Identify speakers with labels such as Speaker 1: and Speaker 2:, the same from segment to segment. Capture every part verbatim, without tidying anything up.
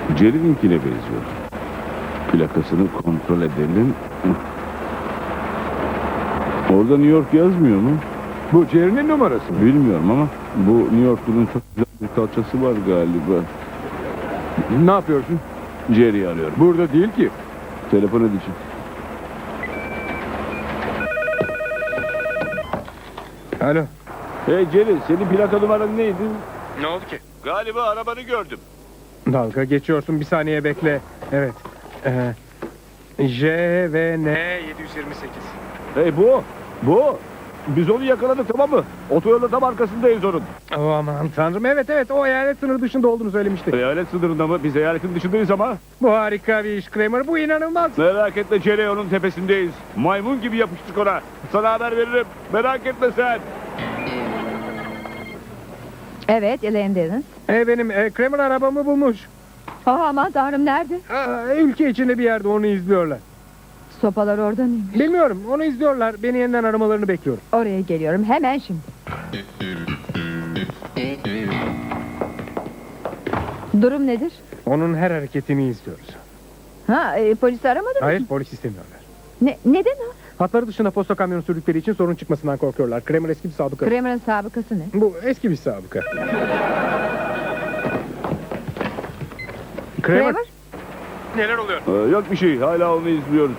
Speaker 1: Jerry'ninkine benziyor. Plakasını kontrol edelim. Orada New York yazmıyor mu?
Speaker 2: Bu Jerry'nin numarası mı?
Speaker 1: Bilmiyorum ama bu New York'un çok güzel bir kalçası var galiba.
Speaker 2: Ne yapıyorsun?
Speaker 1: Jerry'i arıyorum.
Speaker 2: Burada değil ki.
Speaker 1: Telefon edeceğim.
Speaker 2: Alo.
Speaker 1: Hey Jerry, senin plaka numaran neydi?
Speaker 2: Ne oldu ki?
Speaker 1: Galiba arabanı gördüm.
Speaker 2: Dalga geçiyorsun, bir saniye bekle. Evet. Ee, J V N yedi yüz yirmi sekiz.
Speaker 1: Hey bu, bu. Biz onu yakaladık, tamam mı? Otoyolun tam arkasındayız onun.
Speaker 2: Oh, aman tanrım, evet evet, o eyalet sınırı dışında olduğunu söylemişti.
Speaker 1: Eyalet sınırında mı? Biz eyaletin dışındayız ama.
Speaker 2: Bu harika bir iş Kramer, bu inanılmaz.
Speaker 1: Merak etme Jerry, onun tepesindeyiz. Maymun gibi yapıştık ona. Sana haber veririm. Merak etme sen.
Speaker 3: Evet, Elaine Dennons.
Speaker 2: Ee, benim e, Kramer arabamı bulmuş.
Speaker 3: Oh, aman tanrım, nerede?
Speaker 2: Aa, ülke içinde bir yerde onu izliyorlar.
Speaker 3: Sopalar orada mıymış?
Speaker 2: Bilmiyorum, onu izliyorlar. Beni yeniden aramalarını bekliyorum.
Speaker 3: Oraya geliyorum, hemen şimdi. Durum nedir?
Speaker 2: Onun her hareketini izliyoruz.
Speaker 3: Ha, e, polisi aramadın mı?
Speaker 2: Hayır, polis istemiyorlar.
Speaker 3: Ne, neden o?
Speaker 2: Hatları dışında posta kamyonu sürdükleri için sorun çıkmasından korkuyorlar. Kramer eski bir sabıka.
Speaker 3: Kramer'ın sabıkası ne?
Speaker 2: Bu eski bir sabıka.
Speaker 3: Kramer?
Speaker 2: Neler oluyor?
Speaker 1: Ee, yok bir şey, hala onu izliyoruz.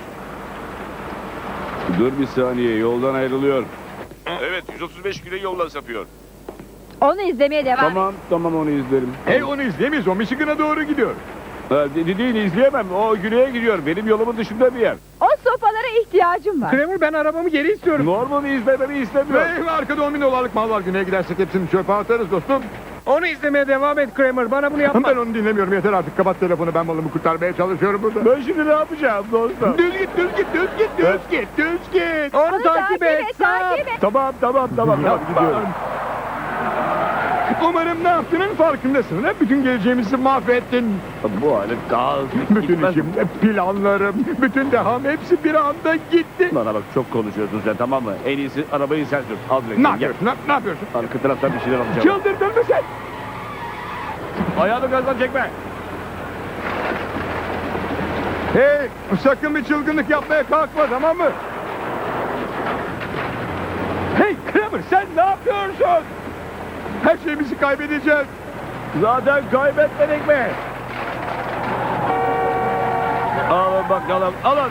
Speaker 1: Dur bir saniye, yoldan ayrılıyor. Evet, yüz otuz beş güne yoldan sapıyor.
Speaker 3: Onu izlemeye devam et.
Speaker 1: Tamam, tamam onu izlerim.
Speaker 2: Hey, onu izleyemeyiz. O Michigan'a doğru gidiyor.
Speaker 1: Ha, de- değil, izleyemem. O güneye gidiyor. Benim yolumun dışında bir yer.
Speaker 3: O sopalara ihtiyacım var.
Speaker 2: Kramer, ben arabamı geri istiyorum.
Speaker 1: Norman'ı izlememi istemiyor.
Speaker 2: Hey, arkada on bin dolarlık mal var. Güneye gidersek hepsini çöpe atarız dostum. Onu izlemeye devam et Kramer. Bana bunu yapma. Ben onu dinlemiyorum. Yeter artık. Kapat telefonu. Ben malımı kurtarmaya çalışıyorum burada.
Speaker 1: Ben şimdi ne yapacağım dostum?
Speaker 2: Düz git, düz git, düz git, düz git, düz git. Onu,
Speaker 3: Onu
Speaker 2: takip et.
Speaker 3: takip et.
Speaker 1: Tamam, tamam, tamam. tamam gidiyorum.
Speaker 2: Umarım ne yaptığının farkındasın. Hep bütün geleceğimizi mahvettin.
Speaker 1: Bu alet daha hızlı
Speaker 2: Bütün
Speaker 1: gitmez.
Speaker 2: işim, planlarım, bütün deham hepsi bir anda gitti.
Speaker 1: Bana bak, çok konuşuyorsun sen, tamam mı? En iyisi arabayı sen sür. Al direkt.
Speaker 2: Ne
Speaker 1: Gel.
Speaker 2: yapıyorsun? Ne, ne yapıyorsun?
Speaker 1: Arka taraftan bir şeyler alacağım.
Speaker 2: Çıldırdın mı sen?
Speaker 1: Ayağını gazdan çekme.
Speaker 2: Hey, sakın bir çılgınlık yapmaya kalkma, tamam mı? Hey Kramer, sen ne yapıyorsun? Her şeyimizi kaybedeceğiz.
Speaker 1: Zaten kaybetmedik mi? Alın bakalım, alın.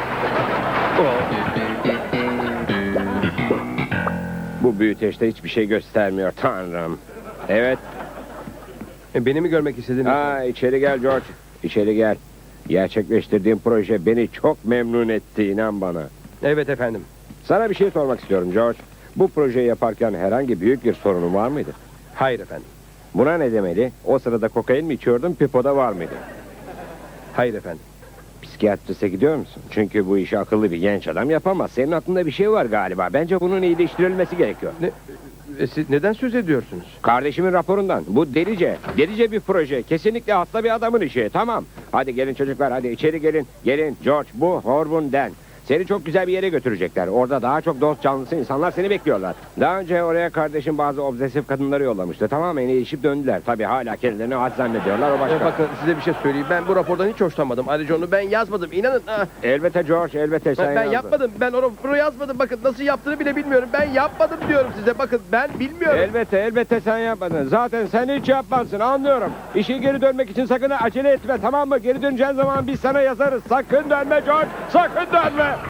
Speaker 4: Bu büyüteçte hiçbir şey göstermiyor tanrım. Evet.
Speaker 2: E, beni mi görmek istedin?
Speaker 4: Ha, içeri gel George. İçeri gel. Gerçekleştirdiğim proje beni çok memnun etti, inan bana.
Speaker 2: Evet efendim.
Speaker 4: Sana bir şey sormak istiyorum George. Bu projeyi yaparken herhangi büyük bir sorunun var mıydı?
Speaker 2: Hayır efendim.
Speaker 4: Buna ne demeli? O sırada kokain mi içiyordun, pipoda var mıydı?
Speaker 2: Hayır efendim.
Speaker 4: Psikiyatrise gidiyor musun? Çünkü bu işi akıllı bir genç adam yapamaz. Senin aklında bir şey var galiba. Bence bunun iyileştirilmesi gerekiyor.
Speaker 2: Ne, e, siz neden söz ediyorsunuz?
Speaker 4: Kardeşimin raporundan. Bu delice. Delice bir proje. Kesinlikle hasta bir adamın işi. Tamam. Hadi gelin çocuklar. Hadi içeri gelin. Gelin. George, bu Horvun Den. Seni çok güzel bir yere götürecekler. Orada daha çok dost canlısı insanlar seni bekliyorlar. Daha önce oraya kardeşim bazı obsesif kadınları yollamıştı. Tamamen iyileşip döndüler. Tabii hala kendilerini had zannediyorlar. O başka.
Speaker 5: E, bakın size bir şey söyleyeyim. Ben bu rapordan hiç hoşlanmadım. Ayrıca onu ben yazmadım. İnanın. Ha.
Speaker 4: Elbette George, elbette sen
Speaker 5: Ben, ben
Speaker 4: yazdın.
Speaker 5: yapmadım. Ben o raporu yazmadım. Bakın nasıl yaptığını bile bilmiyorum. Ben yapmadım diyorum size. Bakın ben bilmiyorum.
Speaker 4: Elbette, elbette sen yapmadın. Zaten sen hiç yapmazsın, anlıyorum. İşe geri dönmek için sakın acele etme, tamam mı? Geri döneceğin zaman biz sana yazarız. Sakın dönme George, sakın dönme.